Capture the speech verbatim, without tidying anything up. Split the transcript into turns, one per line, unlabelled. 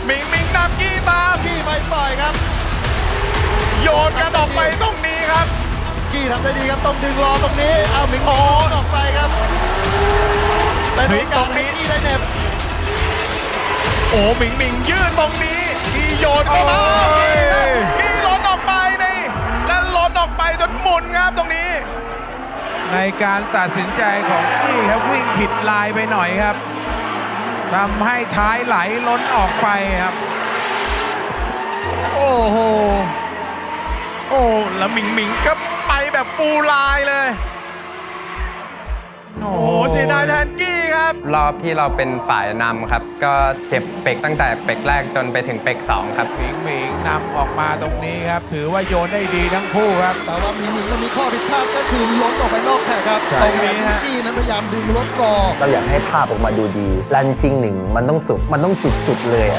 มิงมิงนำกี้ตาม
กี้ไม่ปล่อยครับ
โยนกันออกไปตรงนี้ครับ
กี้ทำได้ดีครับต้องดึงรอตรงนี้เอาหมิงโอนออกไปครับเป็นโอกาสให้กี้ได้เน็บ
โอ้หมิงหมิงยื่นตรงนี้กี้โยนเข้ามา
โอ้ย
กี้ล้นออกไปนี่และล้นออกไปจนหมุนครับตรงนี้
ในการตัดสินใจของกี้ครับวิ่งผิดลายไปหน่อยครับทำให้ท้ายไหลล้นออกไปครับ
โอ้โหโอ้แล้วหมิงหมิงก็ไปแบบฟูลไลน์เลย
โอ้
โอ้เสียดายแทนกี้ครับ
รอบที่เราเป็นฝ่ายนำครับ ก็เก็บเป็กตั้งแต่เป็กแรกจนไปถึงเป็กสองครับ
หมิงหมิงนำออกมาตรงนี้ครับ ถือว่าโยนได้ดีทั้งคู่ครับ
แต่ว่าหมิงหมิงก็มีข้อผิดพลาดก็คือล้นออกไปนอกแท็กครับ
ใช่
ตรงนี้ที่กี้นั้นพยายามดึงรถรอ
เราอยากให้ภาพออกมาดูดีรันชิงหนึ่งมันต้องสุด มันต้องจุดๆเลยอะ